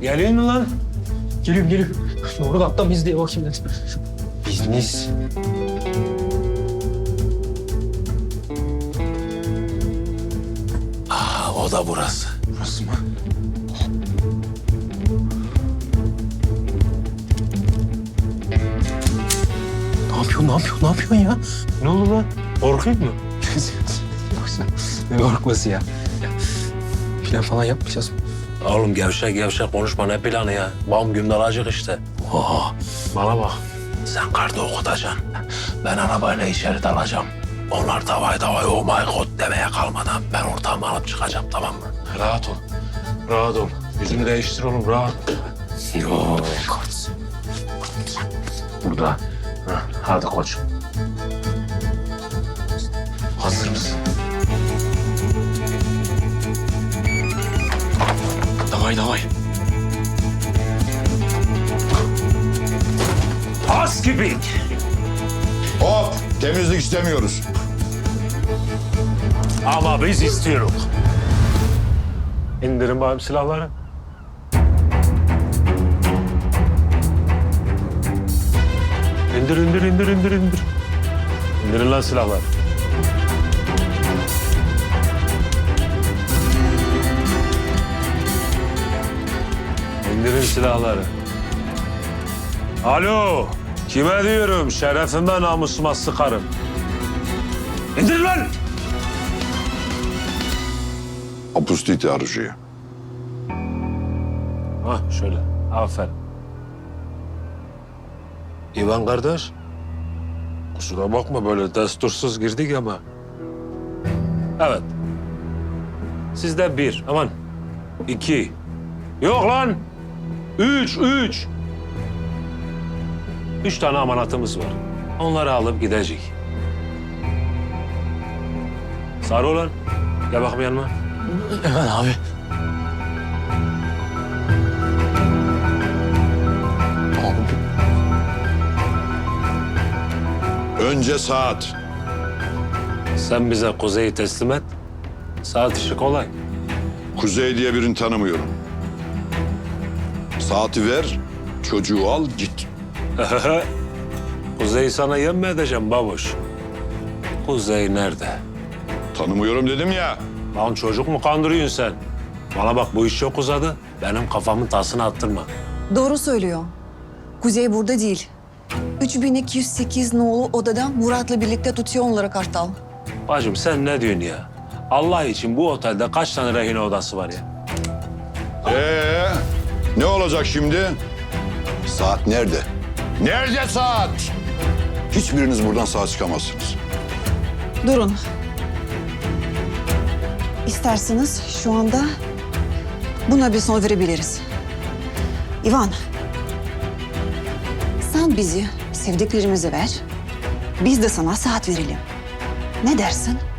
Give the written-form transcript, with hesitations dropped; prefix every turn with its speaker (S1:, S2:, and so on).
S1: Geliyor mu lan?
S2: Geliyorum. Doğru katta biz diye bakayım dedim.
S1: Bizniz. O da burası.
S2: Burası mı? Ne yapıyorsun ya?
S1: Ne oldu lan? Korkuyor mu?
S2: Yoksa ne korkması ya? Plan falan yapmayacağız mı?
S1: Oğlum gevşek konuşma, ne planı ya? Bam güm dalacak işte. Oha. Bana bak. Sen karda okutacaksın. Ben arabayla içeri dalacağım. Onlar davay oh my god demeye kalmadan ben ortamı alıp çıkacağım, tamam mı? Rahat ol. Rahat ol. Yüzünü değiştir oğlum, rahat. Yok. Burada. Hah, hadi koçum. Hazır mısın?
S2: Davay.
S1: Pas gibi.
S3: Hop! Temizlik istemiyoruz.
S1: Ama biz istiyoruz. İndirin bakayım silahları. İndir. İndirin lan silahları. İndirin silahları. Alo, kime diyorum? Şerefime namusuma sıkarım. İndir lan!
S3: Опустите оружие.
S1: Hah, şöyle, aferin. İvan kardeş, kusura bakma böyle destursuz girdik ama. Evet. Sizde 1, aman 2. Yok lan! 3. 3 tane amanatımız var. Onları alıp gidecek. Sarı olan, gel bakayım yanıma.
S2: Hemen abi.
S3: Önce saat.
S1: Sen bize Kuzey'i teslim et. Saat işi kolay.
S3: Kuzey diye birini tanımıyorum. Saati ver, çocuğu al git.
S1: Kuzey'i sana yem mi edeceğim babuş? Kuzey nerede?
S3: Tanımıyorum dedim ya.
S1: Lan çocuk mu kandırıyorsun sen? Bana bak, bu iş çok uzadı. Benim kafamın tasını attırma.
S4: Doğru söylüyor. Kuzey burada değil. 3208 nolu odada Murat'la birlikte tutuyor onları Kartal.
S1: Bacım sen ne diyorsun ya? Allah için bu otelde kaç tane rehin odası var ya?
S3: Ne olacak şimdi? Saat nerede? Nerede saat? Hiçbiriniz buradan sağ çıkamazsınız.
S4: Durun. İsterseniz şu anda buna bir son verebiliriz. İvan, sen bizi sevdiklerimize ver. Biz de sana saat verelim. Ne dersin?